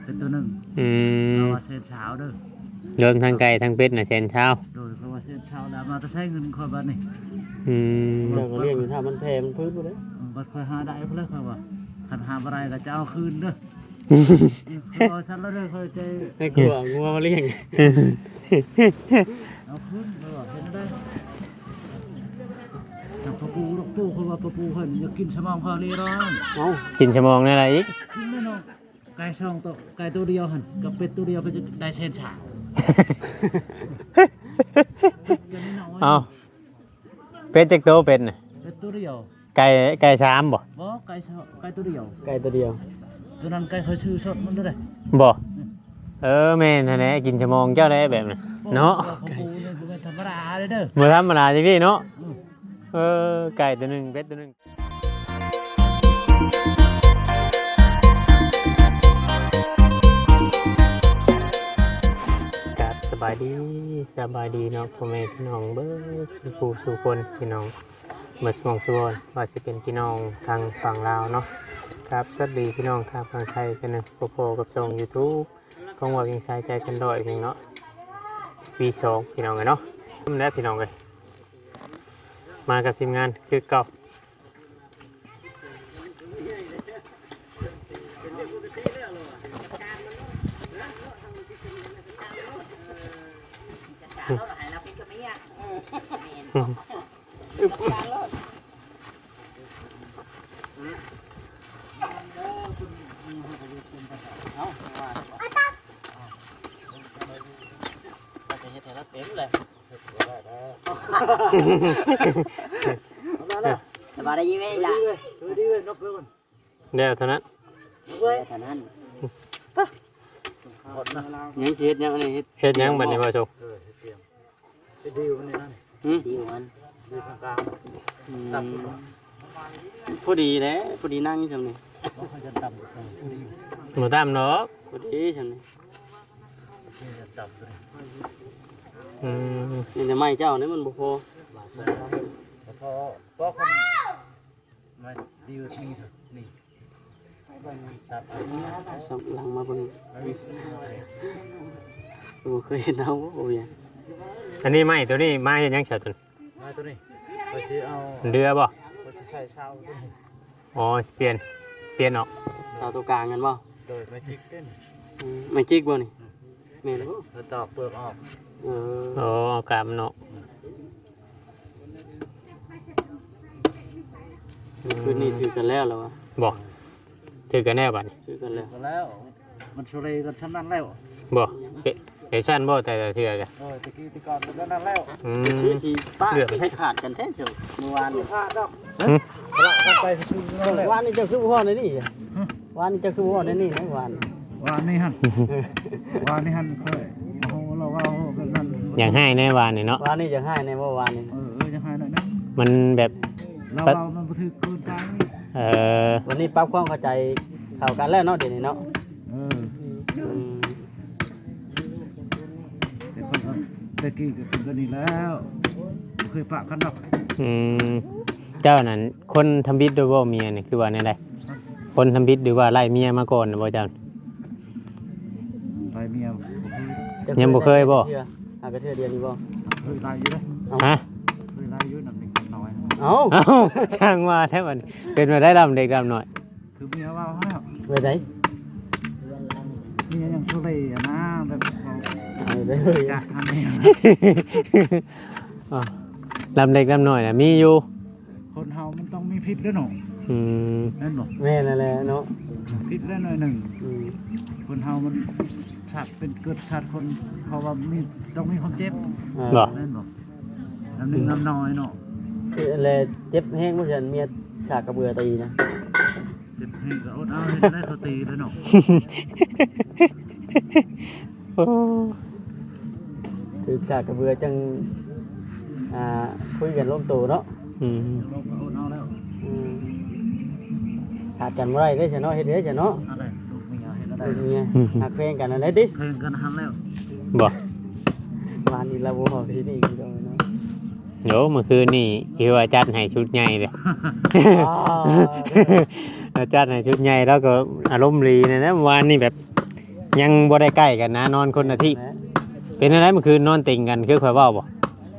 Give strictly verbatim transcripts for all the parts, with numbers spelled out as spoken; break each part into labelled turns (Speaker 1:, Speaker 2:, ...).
Speaker 1: เป็นตัวหนึ่ง
Speaker 2: อืม
Speaker 1: เราว่าเส้นเช้าเด้อ
Speaker 2: รวมทั้งไก่ทั้งเป็ดน่ะแสนเช้า
Speaker 1: โดยเพราะว่าเส้นเช้าแล้วมาจะใช้เงินคอยบ้านนี่
Speaker 2: อืม
Speaker 3: เจ้าก็เลี้ยงอยู่ถ้ามันแพงมันพื้นบ่ได้
Speaker 1: บัดคอยหาได้เพื่อคอยว่าคันหาอะไรก็จะเอาคืนเด้อคอยฉันแล้วเด้อคอยใจ
Speaker 3: ให้กลัวงัวมาเลี้ยง
Speaker 1: เอาคืนเด้อเห็นได้แต่ปะปูลูกปูคือว่าปะปูเพิ่นอยากกินสมองคอเรียร้อน
Speaker 3: เอ้า
Speaker 2: กินชั่วโมงนี่อะไรอีก
Speaker 1: กินแน่นอนไก่ช่องตัวไก่ตัวเดียวหันกับเป็ดตัวเดียวก็จะได้เส้นเช้า
Speaker 2: เอาเป็ดจักโตเป็ดน่ะ
Speaker 1: เป็ดตัวเดียว
Speaker 2: ไก่ไก่สามบ่
Speaker 1: บ่ไก่เช้าไก่ตัวเดียว
Speaker 3: ไก่ตัวเดียว
Speaker 1: ตัวนั้นไก่เขาชื่อสดมันด้วย
Speaker 2: บ่เออแม่นนั่นแหละกินชั่วโมงเจ้าได้แบบน่ะเนาะ
Speaker 1: ปะปูนี่เป็นธรรมดาเลยเด้อ
Speaker 2: บ่ธรรมดาจังซี่เนาะเออไก่ตัวหนึงเป็ดตัวหนึงครับสบายดีสบายดีเนาะพ่อแม่พี่น้องเบิดสู่ผู้สู่คนพี่น้องเบิดสมองสุวรรณว่าสิเป็นพี่น้องทางฝั่งลาวเนาะครับสวัสดีพี่น้องทางฝั่งไทยกันนะพอๆกับช่อง YouTube ของว่ายังใช้ใจกันด้อยเพียงเนาะวีสองพี่น้องกันเนาะและพี่น้องเลยมากับทีมงานคือเก่า
Speaker 4: สบายดีไหมล่ะ
Speaker 1: ดีเลยนกเลย
Speaker 2: เดี๋ยวเท่านั้น
Speaker 4: เท่านั้น
Speaker 3: ยังสิเฮ็ดยังอันนี้เฮ็ด
Speaker 2: เฮ็ดหยังบัดนี้บ่ชก
Speaker 1: ดีมันนี่นั่น
Speaker 3: หืม
Speaker 4: ดีมัน
Speaker 1: ดีทางกลาง
Speaker 3: อืมพอดีแหละพอดีนั่งอยู่ซั่นนี่
Speaker 1: ก็เขาจะต่ำดี
Speaker 2: บ่ตามเนาะ
Speaker 3: พอดีซั่นนี่
Speaker 1: จะต่ำเลย
Speaker 2: อืม
Speaker 3: นี่แต่ไม้เจ้านี่มันบ่พอ
Speaker 1: แต่พอพอคนมาดีนี่เถอะนี่ตับอันนี้
Speaker 3: สับหลังมาเบิ่ง
Speaker 1: ไม่มีสิ่งอะไร
Speaker 3: บ่เคยเห็นเอาบ่เวียง
Speaker 2: อันนี้ไม้ตัวนี้ไม้เฮ็ดหยังซะตัวนี้
Speaker 1: มาตัวนี้ไปซื้อเอา
Speaker 2: เรือบ่
Speaker 1: ไปใช้เช้าตัวนี้
Speaker 2: อ๋อสิเปลี่ยนเปลี่ยนออก
Speaker 3: เสาตัวกลางกันบ่
Speaker 1: โดยไม่จิกเต้น
Speaker 3: อืมไม่จิกบ่นี่แม่นบ่
Speaker 1: แล้วตอกเปลือกออก
Speaker 3: เออ
Speaker 2: อ๋อเอากาบมันออก
Speaker 3: คืนนี้ถือกันแล้วเหรอวะ
Speaker 2: บ่ถือกันแน่บัดนี้
Speaker 3: ถือกันแล้ว
Speaker 1: ก็แล้วมันชุเรกันชั้นนั้นแล้ว
Speaker 2: บ่เอ๊ะเอชั่นบ่แต่ละเทื่อกัน
Speaker 1: โอ้ยตะกี้ตะก่อนก็นั่นแล้ว
Speaker 2: อื
Speaker 3: คือ
Speaker 2: ม
Speaker 3: สิป้าให้ขาดกันแท้เจ้าเมื่อวานนี่
Speaker 1: พลาดดอก
Speaker 2: หึ
Speaker 1: ละกันไปซื้อนั่นแล้ว
Speaker 3: วานนี่เจ้าคือบ่ฮอดในนี่จ้ะวานนี่เจ้าคือบ่ฮอดในนี่นะวาน
Speaker 1: ว่านี่ฮันว่านี่ฮันเคยโอ้โหเราว่ากันนั่น
Speaker 2: อย่างให้แน่วานนี่เนาะ
Speaker 3: วานนี่จะให้ในเมื่อวานนี่
Speaker 1: เออเออจะให้หน่อยนะ
Speaker 2: มันแบบ
Speaker 1: เราเรามันบันทึกเกินไป
Speaker 2: เอ่อ
Speaker 3: วันนี้ปรับความเข้าใจเข้ากันแล้วเนาะเดี๋ยวนี้เนาะ
Speaker 1: เออ
Speaker 3: อืม
Speaker 1: แต่คนก็ตะกี้ก็เป็นกันนี่แล้วเคยปะกันดอก
Speaker 2: อืมเจ้านั่นคนทำบิดด้วยบ่เมียนี่คือว่าแนวใดคนทำบิดหรือว่าไล่เมียมาก่อนน่ะบ่เจ้า
Speaker 1: ไปเมีย
Speaker 2: ยังบ่เคยบ่
Speaker 3: หากระเทือเดียวนี่บ่
Speaker 1: เคยไล่อยู่เลย
Speaker 2: ฮะ
Speaker 1: เคยไล่อยู่หนักหนึ่งน้อย
Speaker 3: เอ้า
Speaker 2: เอ้าช่างว่าแท้บัดนี้เป็นมาได้ดำเด็กดำหน่อย
Speaker 1: คือเมียว่าให้
Speaker 3: ไปไหน
Speaker 1: เมียยังชุเรอะนะแบบเขา
Speaker 3: เอาไปเลย
Speaker 1: จะทำนี่
Speaker 2: อ๋อดำเด็กดำหน่อยน่ะมีอยู่
Speaker 1: คนเฮามันต้องมีพิษด้วยหนู
Speaker 2: อืม
Speaker 1: นั่นหนู
Speaker 3: แม่นั่นแหละเนาะ
Speaker 1: พิษได้หน่อยหนึ่ง
Speaker 3: อืม
Speaker 1: คนเฮามันสัตว์เป็นเกิดสัตว์คนเขาว่ามีต้องมีความเจ็บ
Speaker 3: อ่า
Speaker 2: บ่
Speaker 1: นั่นหนูน้ำหนึ่งน้ำน้อยเนาะ
Speaker 3: คืออะไรเจ็บแห้งบ่ซั่นเมียฉากกระเบือตีนะ
Speaker 1: เจ็บให้ก็อดเอาให้ได้เขาตีแล้วเนาะ
Speaker 2: โอ้
Speaker 3: คือฉากกระเบือจังอ่าคุยกันลงตัวเนาะ
Speaker 2: อืม
Speaker 1: ลงก็อดเอาแล้ว
Speaker 3: อืมขาดกันบ่ได้เด้อจ้ะเนาะเฮ็ดเด้อจ้ะเนาะ
Speaker 1: อะไรลูกเมียเห็นอะไร
Speaker 3: ลูกเมียหักเพลงกันอะไรติ
Speaker 1: เพลงกันหันแล้ว
Speaker 2: บ่
Speaker 3: วานนี้เราบ่ฮอดที่นี่อีกแล้วเนาะ
Speaker 2: เดี๋ยวเมื่อคืนนี่คือว่าจัดให้ชุดใหญ่เลย
Speaker 3: อ๋อ
Speaker 2: เราจัดให้ชุดใหญ่แล้วก็อารมณ์ดีนะนะเมื่อวานนี่แบบยังบ่ได้ใกล้กันนะนอนคนละที่เป็นอะไรเมื่อคืนนอนติงกันคือข่อยเว้าบ่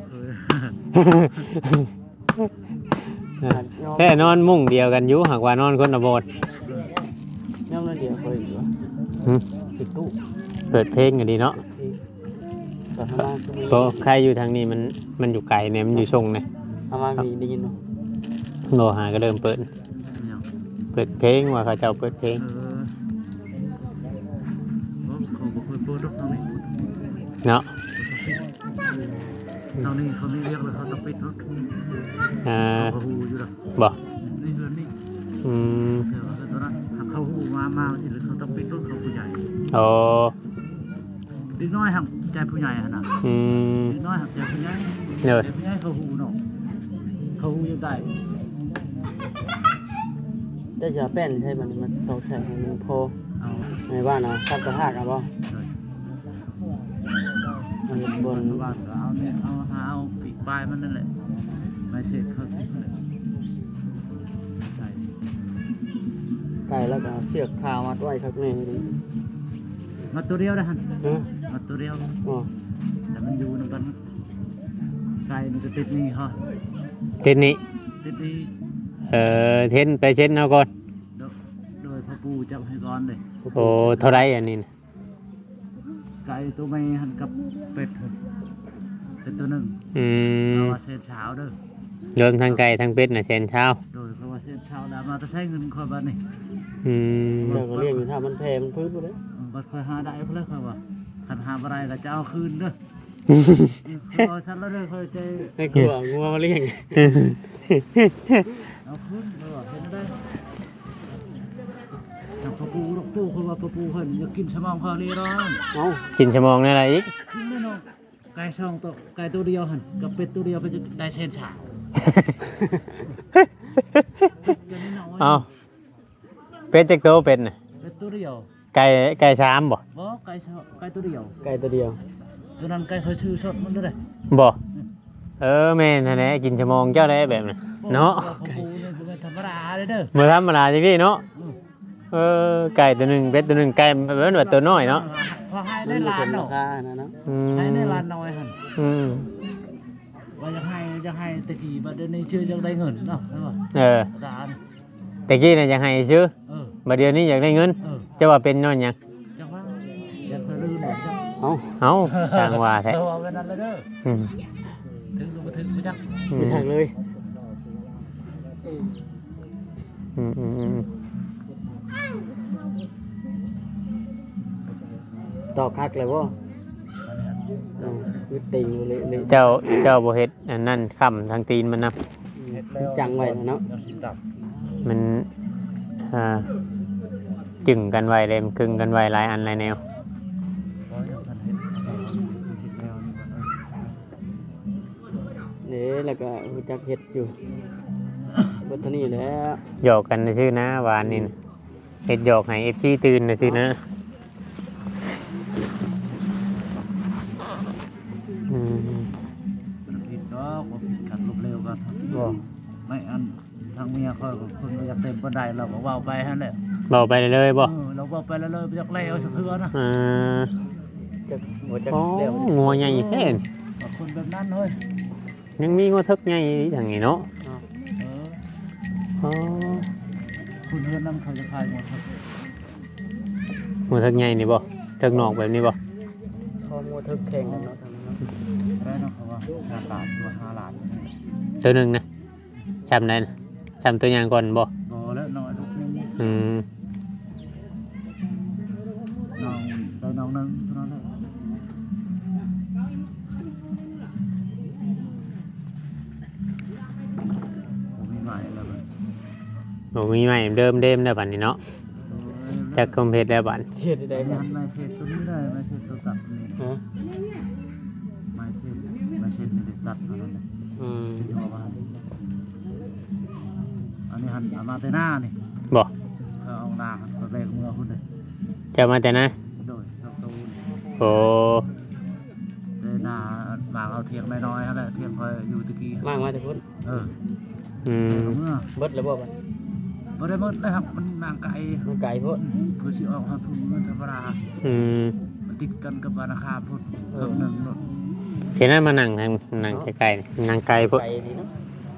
Speaker 2: แค่นอนมุ้งเดียวกันอยู่หากว่านอนคนละโบสถ์
Speaker 3: ย่อมนั่นเดียวเคยอยู่วะ
Speaker 2: หึ
Speaker 3: ติดตู้
Speaker 2: เปิดเพลงกันดีเนาะ
Speaker 3: แต่ทำมาคือมี
Speaker 2: เพราะใครอยู่ทางนี้มันมันอยู่ไกลเนี่ยมันอยู่ชงเนี่ย
Speaker 3: ทำมามีได้ยินเนาะ
Speaker 2: โบหาก็เริ่มเปิด เปิดเพลงว่าเขาเจ้าเปิดเพลง
Speaker 1: เออเขาบอกเคยเปิดรถทางนี้
Speaker 2: เนาะ
Speaker 1: ทางนี้เขาไม่เรียกเลยเขาต้องปิดรถ
Speaker 2: อ่า
Speaker 1: เขาหูอยู่หรอ
Speaker 2: บ่
Speaker 1: นี่เฮือนนี่
Speaker 2: อืม
Speaker 1: เดี๋ยวตอนนั้นเขาหูมามาสิหรือเขาต้องปิดรถเขาผู้ใหญ่
Speaker 2: โอ้
Speaker 1: เด็กน้อยหักใจผู้ใหญ่ขนาด
Speaker 2: อืม
Speaker 1: เด็กน้อยหักใจผู้ใหญ่
Speaker 2: เนอะ
Speaker 1: เด็กผู้ใหญ่เขาหูเนาะเขาหูยังได้
Speaker 3: ได้จะแป้นใช่มันมันตกใส่ให้มันพอ
Speaker 1: เอา
Speaker 3: ในบ้านนะทับกระทากอ่ะบ่
Speaker 1: เลย
Speaker 3: มันบบ น
Speaker 1: นบ้านก็เอาเนี่ยเอาหาเอาปีกปลายมันนั่นแหละไม่ใช่เขาติดเลยใช่
Speaker 3: ไก่แล้วก็เอาเชือกคามัดไว้ครับนี่ดิ
Speaker 1: มาตัวเดียวนะฮะ
Speaker 3: ฮะ
Speaker 1: มาตัวเดียว
Speaker 3: อ๋อ
Speaker 1: แต่มันอยู่ในกันไก่มันจะติดนี่เขา
Speaker 2: เทนนี้
Speaker 1: ติดนี่
Speaker 2: เอ่อเทนไปเช็ดเอาก่อน
Speaker 1: โดยโดยพ่อปู่จับให้ก่อนเลย
Speaker 2: โอ้เท่าไรอันนี้นะ
Speaker 1: ไก่ตัวไม่หันกับเป็ดเถอะเป็นตัวหนึ่ง
Speaker 2: อืม
Speaker 1: เราว่าเส้นเช้าเด้อ
Speaker 2: รวมทางไก่ทางเป็ดน่ะแสนเช้า
Speaker 1: โดยเพราะว่าเส้นเช้าแล้วมาจะใช้เงินคอยบ้านนี่
Speaker 2: อืม
Speaker 3: เดี๋ยวก็เรียกอยู่ถ้ามันแพ้มันพื้นไปเลย
Speaker 1: บัดคอยหาได้เพราะเลยคอยว่าคันหาอะไรก็จะเอาคืนเด้อคอยชันแล้วเด้อคอยใจ
Speaker 3: ไม่กลัวงัวมาเลี้ยง
Speaker 1: เอาคืนเด้อเห็นได้ทางพ่อปู่ลูกปู่คนว่าพ่อปู่เพิ่นอยากกินสมองเขาเลยร้อน
Speaker 3: เอ้า
Speaker 2: กินชั่วโมงนี่อะไรอีก
Speaker 1: กินแน่นอนไก่ช่องตัวไก่ตัวเดียวหันกับเป็ดตัวเดียวเพิ่นจะได้เส้นเช้าเดี๋ยวนี้น้อย
Speaker 2: เอาเป็ดจักโตเป็ดน่ะ
Speaker 1: เป็ดตัวเดียว
Speaker 2: ไก่ไก่สามบ่
Speaker 1: บ่ไก่ช่องไก่ตัวเดียว
Speaker 3: ไก่ตัวเดียว
Speaker 1: ตัวนั้นไก่เขาชื่อสดมันด้วยเลย
Speaker 2: บ่เออแม่นหั่นแหละกินชั่วโมงเจ้าได้แบบน่ะเนาะ
Speaker 1: พ่อปู่นี่เป็นธรรมดาเลยเด้อ
Speaker 2: บ่ธรรมดาจังซี่เนาะ
Speaker 1: อืม
Speaker 2: เออไก่ตัวหนึงเป็ดตัวหนึงไก่แบบว่าตัวน้อยเนาะ
Speaker 1: พอให้
Speaker 3: มั
Speaker 1: ได้
Speaker 3: นมี
Speaker 1: ล้า
Speaker 3: คน นรา
Speaker 1: เนาะ
Speaker 3: คานะเนาะ
Speaker 2: อืม
Speaker 1: ให้ได้ล้านน้อยหัน
Speaker 2: อืม
Speaker 1: ว่าจะให้จะให้ตะกี้บัดเดี๋ยวนี้ชื่อยังได้เงินเนาะใช่ป่ะ
Speaker 2: เออ
Speaker 1: อาจารย์
Speaker 2: แต่กี้น่ะอยากให้ซื้อ
Speaker 1: เออ
Speaker 2: บัดเดี๋ยวนี้อยากได้เงิน
Speaker 1: เออ
Speaker 2: จะว่าเป็นย้อนหยัง
Speaker 1: จังว่าอยากจะลืมหน่อยจัง
Speaker 3: เอ้า
Speaker 2: เอ้าทางว่าแท้
Speaker 1: เออเอากันนั่นเลยเด้อ
Speaker 2: อืม
Speaker 1: ถึงก็มาถึงไปจัก
Speaker 2: อื
Speaker 3: ไม่
Speaker 2: ม
Speaker 3: ใช่เลย
Speaker 2: อืมอืมอืม
Speaker 3: ตอกคักเลยบ่เอ้าคือติงอยู่เลยเลย
Speaker 2: เจ้าเจ้าบ่เฮ็ดอันนั้นค้ำทางตีนมันนะ
Speaker 3: จังไว้เนาะ
Speaker 1: ยังสิตับ
Speaker 2: มันอ่าจึงกันไว้เลยมันกึ่งกันไว้หลายอันหลายแนว
Speaker 1: เพราะยังทันเฮ็ดเอาเฮ็ดแล้วนี่ก่อนเออ
Speaker 3: นี่แล้วก็รู้จักเฮ็ดอยู่เบิดเท่านี้แหล้ว
Speaker 2: หยอกกันซื่อนะหวานนี่นะเฮ็ดหยอกให้ เอฟ ซี ตื่นซื่อนะอืม
Speaker 1: มันผิดดอกบ่ผิดกันลบเร็วกัน
Speaker 3: บ่
Speaker 1: ไม่อันทางเมียคอยกับคนบ่อยากเต็มปานใดเราก็เว้าไปหั่นแหละ
Speaker 2: เบาไปเลยบ่
Speaker 1: เออเราเว้าไปแล้วเลยบ่อยากแล้วสักเทื่อนะ
Speaker 2: อ่า
Speaker 3: จักบ่จัก
Speaker 2: โอ้
Speaker 3: แล้ว
Speaker 2: งัวใหญ่แท้น
Speaker 1: กับคนแบบนั้นเฮ้ย
Speaker 2: ยังมีงัวทึกใหญ่ทางนี้เนาะ
Speaker 1: เออ
Speaker 2: อ๋อ
Speaker 1: คุณเพื่อนนั่งเขาจะขายหมดครับ
Speaker 2: งัวทึกใหญ่นี่บ่ทึกนอกแบบนี้บ่
Speaker 3: ข้อมูลทึกแข่งกันเนาะทางนั้นเนาะ
Speaker 1: ได้เนาะเขาว่าห้าบาทตัวห้าล้าน
Speaker 2: ตัวหนึงนะจำได้นะจำตัวอย่างก่อนบ่
Speaker 1: บอแล้วน้อยลูกนึง
Speaker 2: อืม
Speaker 1: น้องได้น้องนึงเท่านั้นแหละผมมีใหม่แล้วมัน
Speaker 2: โอ้มีใหม่เดิมเดิมแล้วบัดนี้เนาะจักคอมเพลตแล้วบัด
Speaker 3: เฮ็ดได้
Speaker 1: ได้
Speaker 3: บ่
Speaker 1: มันไม่เช็ดตัวนี้ได้ไม่เช็ดตัวตัดนี่
Speaker 3: ฮะ
Speaker 1: ไม่เช็ดไม่เช็ดนี่ตัดเท่านั้นเลย
Speaker 3: อืม
Speaker 1: ที่เอามาอันนี้หันเอามาแต่หน้านี่
Speaker 2: บ่
Speaker 1: เขาเอาหน้าหันไปแบกมือคุณเลย
Speaker 2: จะมาแต่นะ
Speaker 1: โดยชอบตูน
Speaker 2: โอ้
Speaker 1: แต่หน้าบางเอาเทียงน้อยๆอะไรเทียงคอยอยู่ตะกี้
Speaker 3: มากมาแต่พุ่น
Speaker 1: เออ
Speaker 2: อืม
Speaker 1: เมื่อ
Speaker 3: เบิดแล้วบ่บัด
Speaker 1: บ่ได้หมดเลยครับมันนางไก่
Speaker 3: มันไก่พุ่น
Speaker 1: เเพื่อสิออกหาทุนเงินธรรมดา
Speaker 2: อืม
Speaker 1: มันติดกันกับราคาพุ่นเพิ่มหนึ่งเนาะ
Speaker 2: เห็นนั้นมานั่งทางนั่งใกล้ๆนั่งไกลพวก
Speaker 3: ไกลดีเนาะ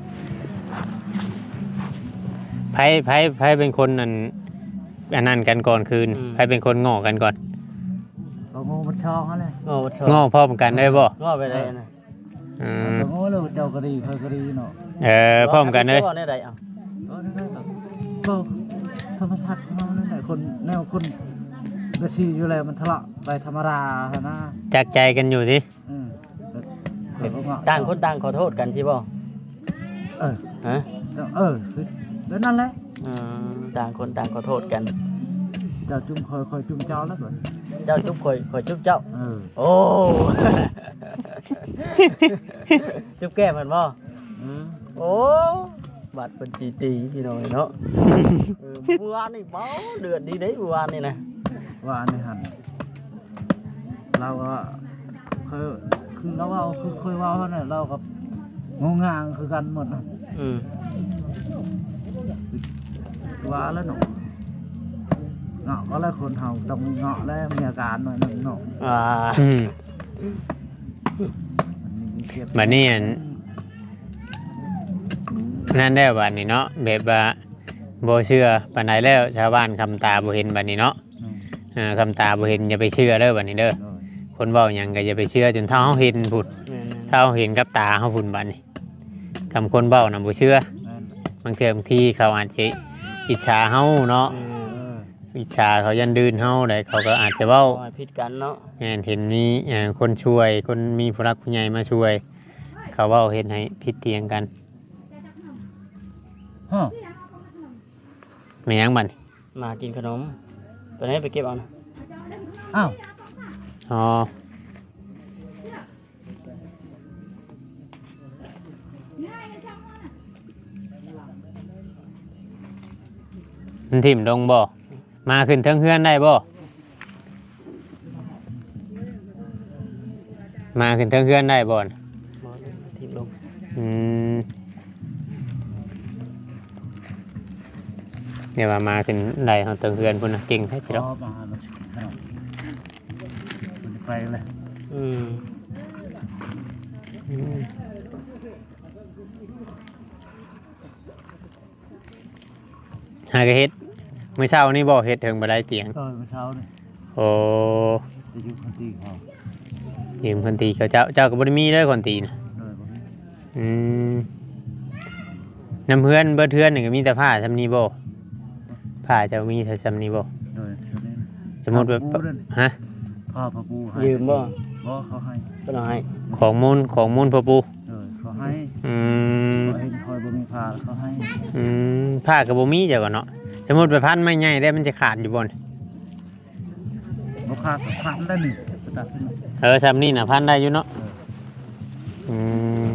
Speaker 2: ไผไผไผเป็นคนอันอันนั้นกันก่อนคืนไผเป็นคนง้อกันก่อน
Speaker 1: เราโง่มันชองเขาเลย
Speaker 3: โอ้ชอบ
Speaker 2: ง้อพร้อมกันได้บ่
Speaker 3: ง้อไปได้นะ
Speaker 2: อืม
Speaker 1: เราโง่เลยเจ้าก็ดีเคยก็ดีเนาะ
Speaker 2: เออพร้อมกันเลย
Speaker 3: ง้อได้ไดอ่ะ
Speaker 1: ก็นั่นแหละก็ธรรมชาติของเรานั่นแหละคนแนวคนกระชีอยู่แล้วมันทะเลาะไปธรรมดาฮะนะ
Speaker 2: จักใจกันอยู่สิ
Speaker 1: อืมแต่ก็เงาะ
Speaker 3: ต่างคนต่างขอโทษกันใช่ป่ะ
Speaker 1: เออ
Speaker 3: ฮะ
Speaker 1: เออคือแล้วนั่นแหละ
Speaker 3: อืมต่างคนต่างขอโทษกัน
Speaker 1: เจ้าจุ่มคอยคอยจุ่มเจ้าแล้วก่อน
Speaker 3: เจ้าจุ๊บข่อยข่อยจุ๊บเจ้า
Speaker 1: เออ
Speaker 3: โอ้ จุ๊บแก้มมันบ่
Speaker 1: อืม
Speaker 3: โอ้บัตรเป็นจีตีพี่น้อยเนาะเออเมื่อวานนี่เบ้าเดือดดีเด้เมื่อวานนี่นะ
Speaker 1: ว่าอันนี้หันเราก็เคยคือเราว่าคือเคยว่าเขาเนี่ยเรากับงงงางคือกันหมดนะ
Speaker 3: อืม
Speaker 1: ว่าแล้วหนูเงาะก็แล้วคนเฮาต้องมีเงาะแล้วมีอาการหน่อยหนึงเนาะ
Speaker 3: อ่า
Speaker 2: อืม
Speaker 1: มันมีเจ็บ
Speaker 2: บัดนี้อันนั่นได้บัดนี้เนาะแบบว่าบ่เชื่อปานใดแล้วชาวบ้านคำตาบ่เห็นบัดนี้เนาะ
Speaker 1: อืม
Speaker 2: เออคำตาบ่เห็นอย่าไปเชื่อเด้อบัดนี้เด้อ
Speaker 1: โดย
Speaker 2: คนเว้าหยังก็อย่าไปเชื่อจนเท่าเฮาเห็นพุ่น
Speaker 3: แม่น
Speaker 2: ถ้าเฮาเห็นกับตาเฮาพุ่นบัดนี้คำคนเว้าน่ะบ่เชื่อ
Speaker 1: แม่น
Speaker 2: บางเทื่อบางทีเขาอาจจะอิจฉาเฮาเนาะ
Speaker 3: ๆอืม
Speaker 1: เออ
Speaker 2: อิจฉาเขายันดืนเฮาได้เขาก็อาจจะเว้า
Speaker 3: ขอให้ผิดกันเนาะ
Speaker 2: แม่นเห็นมีเอ่อคนช่วยคนมีผู้รักผู้ใหญ่มาช่วย เขาเว้าเฮ็ดให้ผิดเถียงกัน
Speaker 1: ฮะ
Speaker 2: แม่นหยังบัดนี้
Speaker 3: มากินขนมไปไหนไปเก็บเอานะ
Speaker 1: อ้าว
Speaker 2: อ๋อมันถิ่มลงบ่มาขึ้นเทิงเฮือนได้บ่มาขึ้นเทิงเฮือนได้บ่น่ะ
Speaker 3: บ่ทิ่มลง
Speaker 2: อืมเดี๋ยวว่ามาขึ้นได้เฮาเทิงเฮือนพุ่นน่ะเก่งแท้สิ
Speaker 1: ร
Speaker 2: เนาะ
Speaker 1: อมาแล้วขนมมันไปเลย
Speaker 3: อืม
Speaker 2: อืมหากะเฮ็ดมื้อเช้านี่บ่เฮ็ดถึงบ่ได้เตียง
Speaker 1: เออเมื่อเช้านี่
Speaker 2: โอ้
Speaker 1: จะอยู่คนตีเขา
Speaker 2: ยืมคนตีเขาเจ้าเจ้าก็บ่ได้มีเด้อคนตีน่ะ
Speaker 1: เลยบ่มี
Speaker 2: อืมน้ำเพื่อนเบิดเทือนนี่ก็มีแต่ผ้าซำนี้บ่ผ้าเจ้ามีแต่ซำนี้บ่
Speaker 1: เลยเดี๋ยวนี้
Speaker 2: สมมุติว่า
Speaker 1: พ่อปูนั่น
Speaker 2: ฮะ
Speaker 1: พ่อพ่อปูให้
Speaker 3: ยืมบ่
Speaker 1: บ่เขาให้
Speaker 3: ก็เอาให้
Speaker 2: ของมูลของมูลพ่อปู่
Speaker 1: เลยเขาให้
Speaker 2: อืม
Speaker 1: เขาเห็นคอยบ่มีพาเขาให้
Speaker 2: อืมผ้าก็บ่มีเจ้าก็เนาะสมมุติไปพันไม้ใหญ่ได้มันจะขาดอยู่บ่น
Speaker 1: บ่ขาดก็ขาดได้นี่ไปตัดขึ้นมา
Speaker 2: เออซำนี้น่ะพันได้อยู่เนาะอืม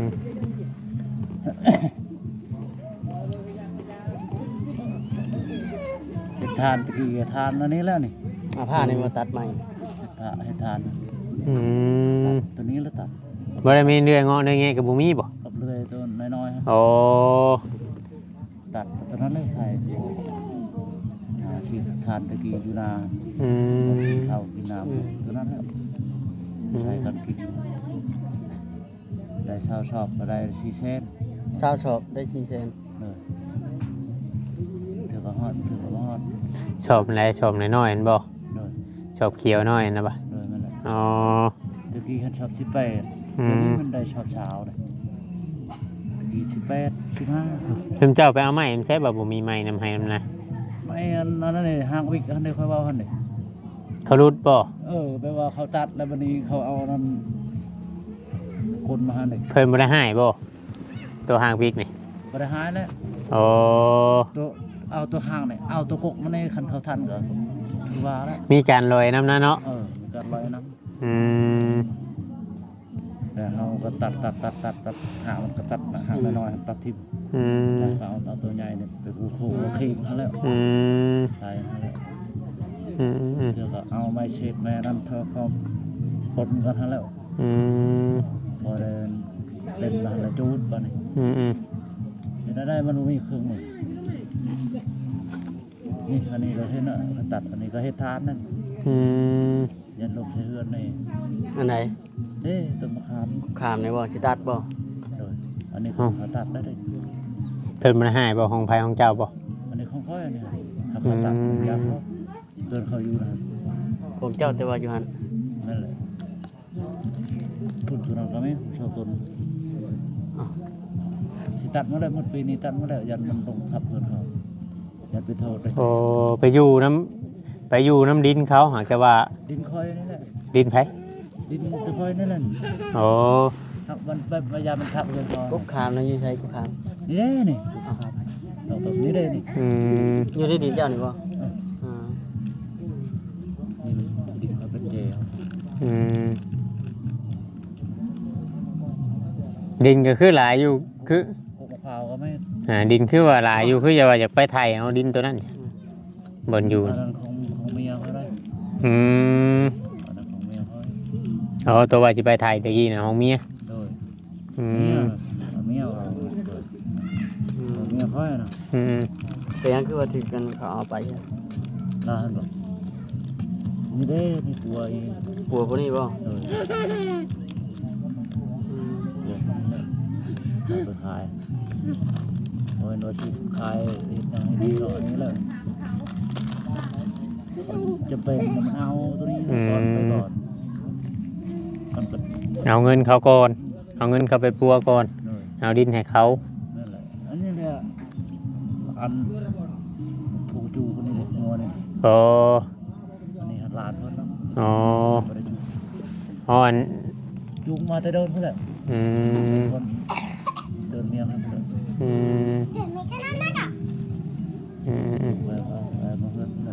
Speaker 1: เฮ็ดทานตะกี้ทานอันนี้แล้วนี่
Speaker 3: เอาผ้านี่มาตัดใหม่
Speaker 1: เฮ็ดทานเฮ็ดทาน
Speaker 2: อืม
Speaker 1: ตัวนี้แล้วตัด
Speaker 2: บ่ได้มีเรื่องเงาะเรื่องแงะก็บ่มีบ่
Speaker 1: กับเลื่อยตัวน้อยๆฮะ
Speaker 2: โอ้
Speaker 1: ตัดตัวนั้นเลยใส่หาที่ทานตะกี้อยู่นา
Speaker 2: อืม
Speaker 1: ข้าวกินน้ำตัวนั้นแล้วใส่กันกินได้เช้าชอบก็ได้สี่เส้น
Speaker 3: ซาวชอบได้สี่แสน
Speaker 1: เลยถือว่าฮอดถือว่าฮอด
Speaker 2: ชอบอะไรชอบน้อยๆนั่นบ่
Speaker 1: เลย
Speaker 2: ชอบเขียวน้อยนะบ่ะ
Speaker 1: เลยมันแหละ
Speaker 2: อ๋อ
Speaker 1: ตะกี้ฉันชอบสิบแปด
Speaker 2: อืม
Speaker 1: เดี๋ยวนี้มันได้ชอบเช้าเลยตะกี้สิบแปดสิบห้า
Speaker 2: เพิ่นเจ้าไปเอาไม้มันใช้บ่บ่มีไม้นำให้นำนะ
Speaker 1: ไม่อันนั้นนี่ห้างวิกอันนี้ค่อยเว่าอันนี้
Speaker 2: เขารุดบ่
Speaker 1: เออแปลว่าเขาตัดแล้ววันนี้เขาเอานั้นคนมาหาเด็ก
Speaker 2: เพิ่นบ่ได้ให้บ่ตัวหางพริกนี่
Speaker 1: ก็ได้หายแล้ว
Speaker 2: โอ้
Speaker 1: ตัวเอาตัวห่างเนี่ยเอาตัวกกมาในคันเขาทันก็คือว่าแล้ว
Speaker 2: มีการลอยน้ำนะเนาะ
Speaker 1: เออมีการลอยน้
Speaker 2: อืม
Speaker 1: ำแต่เราก็ตัดตัดตัดตัดตัดหางมันก็ตัดหางน้อยๆตัดทิ่ม
Speaker 2: อืม
Speaker 1: แล้วก็เอาเอาตัวใหญ่เนี่ยไปกูโคขี้มาแล้ว
Speaker 2: อืม
Speaker 1: ตายมาแล้ว
Speaker 2: อืมอืม
Speaker 1: เดี๋ยวก็เอาไม้เช็ดแม่นั่นเธอเขาปนกันทั้งแล้ว
Speaker 2: อืม
Speaker 1: พอเดินเล่นมาแล้วจูดไปนี่
Speaker 2: อืมอืม
Speaker 1: เห็นได้มันมีเครื่องมือนี่อันนี้เราเห็นอ่ะเขาตัดอันนี้นี้ก็เฮ็ดทานนั่น
Speaker 2: อืม
Speaker 1: ยันลมใช้เฮือนนี่
Speaker 3: อันไหน
Speaker 1: เด้ต้นมะขาม
Speaker 3: ขามในบ่สิตัดบ่
Speaker 1: โดยอันนี้ของเขาตัดได้เลย
Speaker 2: เพิ่นมันหายบ่ของไผของเจ้าบ่
Speaker 1: อันนี้ของค่อยอันนี้ถ้าเขาตัดยามเขาเกินเขาอยู่นะ
Speaker 3: ของเจ้าแต่ว่าอยู่หั่น
Speaker 1: นั่นแหละทุนทุนเราก็ไม่ชอบทุนที่ตัดมาได้หมดปีนี้ตัดมาได้ยันมันลงทับเพื่อนเขายันไปโทษเลย
Speaker 2: โอ้ไปอยู่น้ำไปอยู่น้ำดินเขาหากแต่ว่า
Speaker 1: ดินคอยนี่แหละ
Speaker 2: ดินไผ
Speaker 1: ดินตะคอยนั่นแหละ
Speaker 2: โอ้
Speaker 1: ทับมันพยายามมันทับเพื่อนเขา
Speaker 3: กบขามนะอยู่ใช้กบขาม
Speaker 1: นี่เด้นี่เราตรงนี้เด้นี่
Speaker 2: อืม
Speaker 3: อยู่ในดินเจ้านี่บ่อ่า
Speaker 1: นี่มันดินเขาเป็นเจล
Speaker 2: อืมดินก็คือหลายอยู่คือ
Speaker 1: พวกมะพร้าวก็ไม่
Speaker 2: อ่าดินคือว่าหลายอยู่คืออย่าว่าอยากไปไทยเอาดินตัวนั้นบนอยู่
Speaker 1: อันนั้นของของเมียเขาได้
Speaker 2: อืม
Speaker 1: อันนั้นของเมียเขา
Speaker 2: อ๋อตัวว่าจะไปไทยตะกี้นะของเมีย
Speaker 1: โดย
Speaker 2: อื
Speaker 1: เมีย
Speaker 2: ม
Speaker 1: เมียเราเมียเขาเนาะ
Speaker 2: อืม
Speaker 3: เป็นหยังคือว่าถึกกันเขาเอาไปอะ
Speaker 1: ลาหันบอกนี่เด้นี่ปัวอี
Speaker 3: ปัวพวกนี้บ่
Speaker 1: โดย
Speaker 3: อืม
Speaker 1: เอาไปขายโอ้ยโน้ตชิขายอย่างนี้หรออันนี้เลยจะเป็นมันเอาตัวนี้ก่อนไปก่อนมันก็
Speaker 2: เอาเงินเขาก่อนเอาเงินเขาไปปัวก่อน
Speaker 1: เลย
Speaker 2: เอาดินให้เขา
Speaker 1: นั่นแหละอันนี้เนี่ยอันผูจูคนนี้เลยงัวนี่
Speaker 2: โอ้
Speaker 1: อันนี้ลานเพิ่นเนาะ
Speaker 2: อ๋อ
Speaker 1: บ่ได้จูง
Speaker 2: อ๋ออัน
Speaker 1: จูงมาแต่เดินเพิ่นแหละ
Speaker 2: อืม
Speaker 1: คนเดินเมียครับเพิ่น
Speaker 2: อืมอืมอืม
Speaker 1: ไปเอาไปมาเพิ่นเลย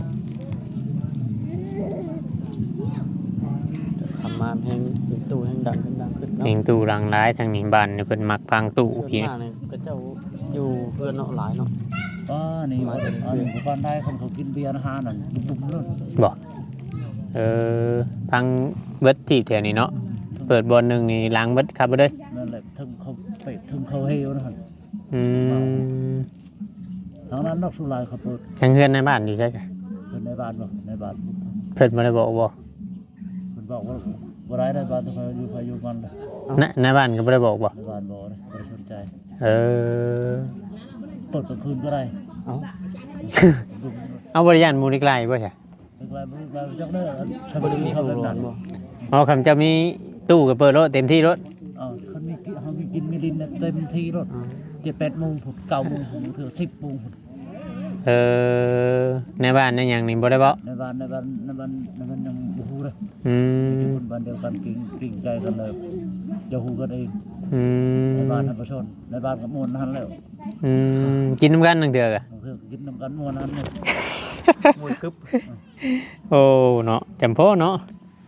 Speaker 3: ทำมาแพงสิตู้แห่งดังขึ้นดังขึ้นเนาะ
Speaker 2: เองตู้รังร้ายทางนี้บ้านเนี่ยเพิ่นมักพังตู้
Speaker 3: ส่วน
Speaker 2: พี่
Speaker 3: มากเนี่ยก็เจ้าอยู่เพื่อนเนาะหลายเนาะ
Speaker 1: ป้านี่ว่าอันนี้ผู้บ้านได้คนเขากินเบียร์อาหารนั่นบุ้มๆเลย
Speaker 2: บอกเออพังเบิดจีบแถวนี้เนาะเปิดบอลหนึ่งนี่ล้างเบิดครับไปเลย
Speaker 1: นั่นแหละถึงเขาไปถึงเขาเฮวนะครับ
Speaker 2: อืม
Speaker 1: ทางนั้นนอกสุรายเขาเปิด
Speaker 2: ทั้งเพื่อนในบ้านอยู่ใช่ไหม
Speaker 1: เพิ่นในบ้านบ่ในบ้าน
Speaker 2: เพิ่นมาได้บอกบอก
Speaker 1: เพิ่นบอกว่าบ่ได้ในบ้านต้องไปอยู่ไปอยู่มันเลย
Speaker 2: ในในบ้านก็ไม่ได้บอกบอก
Speaker 1: ในบ้านบ่เลยบ่ได้สนใจ
Speaker 2: เออ
Speaker 1: เปิดกลางคืนก็ได้
Speaker 3: เอ้า
Speaker 1: บุ้ม
Speaker 2: เอาบริยานมูลิกไลบ่ใช่
Speaker 1: ๆไกลๆบ่ไกลๆจักเด้อชาว
Speaker 3: บ่ได้
Speaker 1: บ้าน
Speaker 3: มี
Speaker 1: เขา
Speaker 3: ผู้
Speaker 1: เป็น
Speaker 3: ร้อ
Speaker 1: นั่
Speaker 3: น
Speaker 1: น
Speaker 3: บ่
Speaker 2: อ๋อคำจะมีตู้กับเปิดรถเต็มที่รถ
Speaker 1: เอ้าเขามีกิเขามีกินมีดินเนี่ยเต็มที่รถ
Speaker 3: อ่า
Speaker 1: เจ็ดแปดโมงผมเก้าโมงผมถึงสิบโมงผม
Speaker 2: เออในบ้านในอย่างนี้บ่ได้บอก
Speaker 1: ในบ้านในบ้านในบ้านในบ้านยังบ่ฮู้เลย
Speaker 2: อื
Speaker 1: อยู่
Speaker 2: ม
Speaker 1: คนบ้านเดียวกันกิ่งกิ่งใจกันเลยจะฮู้กันเอง
Speaker 2: อื
Speaker 1: ใน
Speaker 2: ม
Speaker 1: บ้านธรรมชนในบ้านกับมวลนั้นแล้ว
Speaker 2: อืมกินน้ำกันหนึ่งเดือกอะ
Speaker 1: บางทีกินน้ำกันมวลนั้นเนี่ย
Speaker 3: มวยกึบ
Speaker 2: โอ้เนาะจำพ่อเนาะ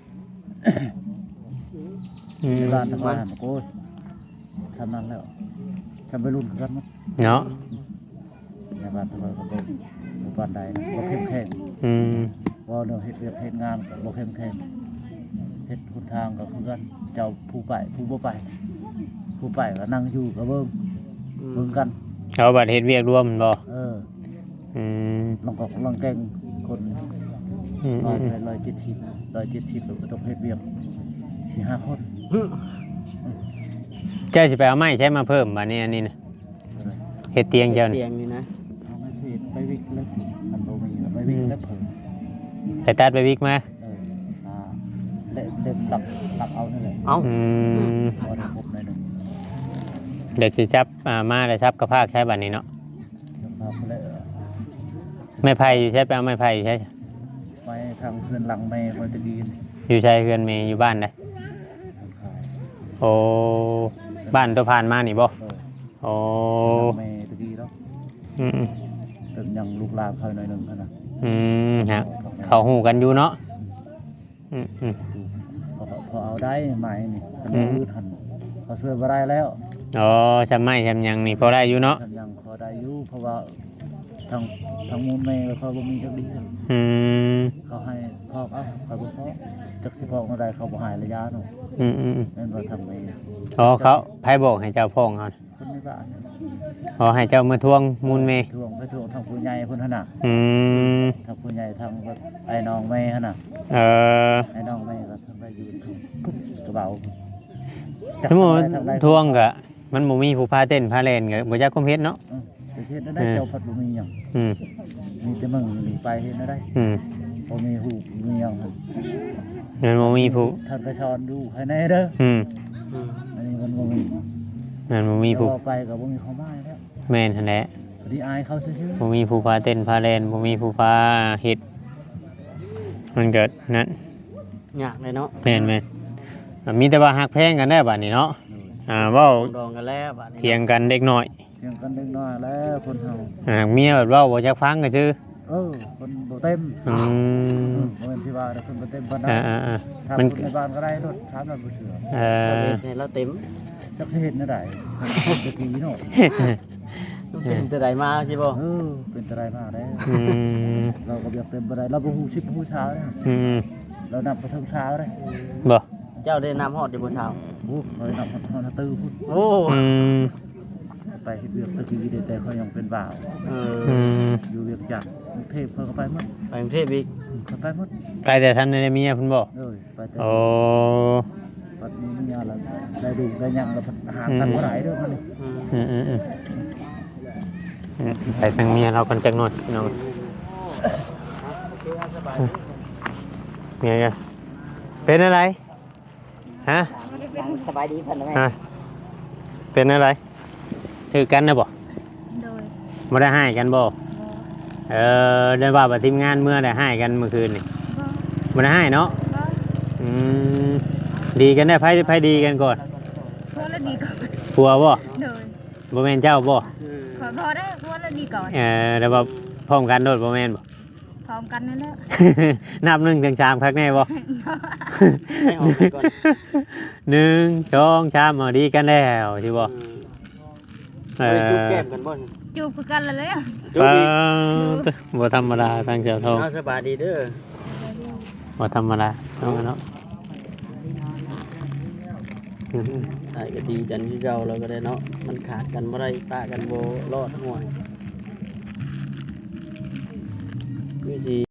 Speaker 2: อืม
Speaker 1: ในบ้านทั้งบ้านโอ้ยทำนั้นแล้วทำไปรุ่นกันมั้ง
Speaker 2: เนาะ
Speaker 1: ในบ้านทั้งบ้านก็เป็นหมู่บ้านใดนะบ่เข้มแข็ง
Speaker 2: อืม
Speaker 1: ว่าเนาะเฮ็ดเวียกเฮ็ดงานก็บ่เข้มแข็งเฮ็ดหนทางก็คือกันเจ้าผู้ไปผู้บ่ไป ผู้ไปก็นั่งอยู่ก็เบิ่งเบิ่งกัน
Speaker 2: เอาบัตรเฮ็ดเวียกรวมแม่นบ่
Speaker 1: เออ
Speaker 2: อืม
Speaker 1: ลองก็ลองแกงคน
Speaker 2: อืม
Speaker 1: ร้อย
Speaker 2: อืม
Speaker 1: ไปร้อยเจ็ดสิบร้อยเจ็ดสิบก็ต้องเฮ็ดเวียกสี่ห้าคน
Speaker 2: เจ้าสิไปเอาไม้ใช้มาเพิ่มบัดนี้อันนี้นะเฮ็ดเตียงเจ้านี่
Speaker 3: เตียงนี่นะ
Speaker 1: เอาไม่เสร็จไปวิกเลยมันบ่มีก็ไปวิกแล้วเพิ่ม
Speaker 2: ไปตัดไปวิกมา
Speaker 1: เอออ่าเล่มเล่มหลักหลักเอานี่แหละ
Speaker 3: เอ้า
Speaker 2: อืม
Speaker 1: พอได้ครบหน่อยหนึง
Speaker 2: เดี๋ยวสิจับอ่ามาแล้วจับกระพากใช้บัดนี้เนาะ
Speaker 1: จะพาไปเลยเออ
Speaker 2: ไม้ไผ่อยู่ใช้ไปเอาไม้ไผ่อยู่ใช้
Speaker 1: ไปทางเพื่อนหลังแม่พอจะดีน
Speaker 2: อยู่ใช้เฮือนเมย์อยู่บ้านได้
Speaker 1: ทางขาย
Speaker 2: โอ้บ้านตัวผ่านมานี่บ่
Speaker 1: เออ
Speaker 2: โอ้
Speaker 1: หลังแม่ตะกี้แล้ว
Speaker 2: อืม
Speaker 1: เติมยังลูกหลานเขาหน่อยหนึงเท่านั้น
Speaker 2: อืมฮะเขาหูกันอยู่เนาะอืมอืม
Speaker 1: พอพอเอาได้ไหมนี่คัน
Speaker 2: อืม
Speaker 1: มือทันเขาช่วยบ่ได้แล้ว
Speaker 2: อ๋อชำไม้ชำหยังนี่พอได้อยู่เนาะ
Speaker 1: ทันยังพอได้อยู่เพราะว่าทางทางมูลแม่เขาบ่มีจักดี
Speaker 2: อืม
Speaker 1: เขาให้พอกเอาเขาบ่พอกจักสิพอกมาได้เขาบ่ใหายระยะหนู
Speaker 2: อืมอืมอืม
Speaker 1: นั่นว่าทางแม่
Speaker 2: อ๋อเขาไผบอกให้เจ้าพ่องเขา
Speaker 1: คนในบ้าน
Speaker 2: อ๋อให้เจ้ามาทวงมูลเมย์
Speaker 1: ทวงไปเขาทวงทางผู้ใหญ่เพิ่นหั่นน่ะ
Speaker 2: อืม
Speaker 1: ทางผู้ใหญ่ทางไอ้น้องแม่หั่นน่ะ
Speaker 2: เออ
Speaker 1: ไอ้น้องแม่ก็ทางได้อยู่ทางปุ๊บกระเป๋า
Speaker 2: สมมุติ
Speaker 1: ทางใด
Speaker 2: ทวงก็มันบ่มีผู้พาเต้นพาเล่นก็บ่จักคุมเฮ็ดเนาะ
Speaker 1: เออไปเฮ็ดได้เจ้าพัดบ่มีหยัง
Speaker 2: อืม
Speaker 1: มีแต่มึงนี่ไปเฮ็ดได้
Speaker 2: อืม
Speaker 1: บ่มีฮู้มีหยังหั่น
Speaker 2: มันบ่มีผู้
Speaker 1: ท่านไปสอนดูให้แน่เด้อ
Speaker 2: อืม
Speaker 3: อืม
Speaker 1: อันนี้มันบ่มี
Speaker 2: มันบ่มีผู้
Speaker 1: แต่ว่าไปก็บ่มีความหมายแล้ว
Speaker 2: แม่นหั่นแหละ
Speaker 1: พอดีอายเขาซื่อ
Speaker 2: บ่มีผู้พาเต้นพาเล่นบ่มีผู้พาเฮ็ดมันเกิดนั่น
Speaker 3: ยากเลยเนาะ
Speaker 2: แม่นแม่นอ่ะมีแต่ว่าฮักแพงกันได้บัดนี้เนาะอ่าเว้า
Speaker 3: ดองกันแล้วบัดนี้
Speaker 2: เถียงกันเด็กน้อย
Speaker 1: ๆเถียงกันเล็กน้อยแล้วคนเฮา
Speaker 2: อ่าเมียแบบเว้าบ่จักฟังก็ซื่อ
Speaker 1: เออคนบ่เต็ม
Speaker 2: อื
Speaker 1: เอ
Speaker 2: ม
Speaker 1: อบ่แม่นที่ว่าแต่คนบ่เต็มปานใด
Speaker 2: อ่าอ่าอ่า
Speaker 1: ถ้า
Speaker 2: มัน
Speaker 1: คนในบ้านก็ได้รถถามแล้วบ่เชื่อ
Speaker 2: เอ
Speaker 3: เรา
Speaker 2: อ
Speaker 3: เฮ็ดให้เราเต็ม
Speaker 1: จักสิเฮ็ดแนวใดตะกี้เนาะ
Speaker 3: เป็นแต่ใดมาใช่บ่
Speaker 1: เออเป็นอะไรมากแล้ว
Speaker 2: อืม
Speaker 1: เราก็อยากเป็นบ่ได้เราบ่ฮู้ชิดฮู้เช้าเด้อ
Speaker 2: อืม
Speaker 1: เรานับกระทั่งเช้าเด้อ
Speaker 2: บ่
Speaker 3: เจ้าได้น้ำฮอดอยู่บนเช้า
Speaker 1: โอ้เรานับกระทั่งตื้อพุ่น
Speaker 3: โอ้
Speaker 2: อืม
Speaker 1: ไปเฮ็ดเวียกตะกี้เด้แต่เขายังเป็นบ่าว
Speaker 3: เออ
Speaker 2: อืม
Speaker 1: อยู่เวียกจันทน์กรุงเทพเขาก็ไปหมด
Speaker 3: ไปกรุงเทพอีก
Speaker 1: เขาไปหมด
Speaker 2: ไปแต่ท่านได้เมียเพิ่นบ่
Speaker 1: เอ้ยไปแต่
Speaker 2: โอ้
Speaker 1: ปัดนี้มีอะไรได้ดูได้หยังแล้วหากันบ่ได้เด้อมันนี่
Speaker 3: อืม
Speaker 2: อืมอืมอืมอืมไปทางเมียเรากันจักหน่อยพี่น้องเมียกันเป็นอะไรฮะ
Speaker 4: สบายดีเพิ่นไหม
Speaker 2: ฮะเป็นอะไรถือกันนะบ่
Speaker 5: โดย
Speaker 2: บ่ได้ให้กันบ่เออเดินว่าบ่ทีมงานเมื่อได้ให้กันเมื่อคืนนี่
Speaker 5: บ่
Speaker 2: บ่ได้ให้เนาะ
Speaker 5: บ่
Speaker 2: อืมดีกันได้ไผไผดีกันก่อน
Speaker 5: พวกละดีก่อน
Speaker 2: ผัวบ่
Speaker 5: โดย
Speaker 2: บ่แม่นเจ้าบ่
Speaker 5: ขอพอได้พวกละดีก่อน
Speaker 2: เออแล้วว่าพร้อมกันโดดบ่แม่นบ่
Speaker 5: พร้อมกันนั่นแหละ
Speaker 2: นับหนึ่งถึงสามครั้งแน่บ่
Speaker 3: ให้ออกไปก่อน
Speaker 2: หนึ่งสองสามเอาดีกันแล้วใช่บ่
Speaker 3: อืม
Speaker 2: เอ
Speaker 3: ไป
Speaker 2: อ
Speaker 3: จุ๊บแก้มกันบ่
Speaker 5: จูบคือกันละเลย
Speaker 3: จุ๊บ
Speaker 2: ปา
Speaker 3: อีก
Speaker 2: ดบ่ธรรมดาทางเจ้าทอง
Speaker 3: เอาสบายดีเด้อ
Speaker 2: บ่ธรรมดาเอาเนาะอืม
Speaker 3: ได้ก็ดีจันที่เราเราก็ได้เนาะมันขาดกันบ่ได้ตากันบ่รอดห่วยวิธี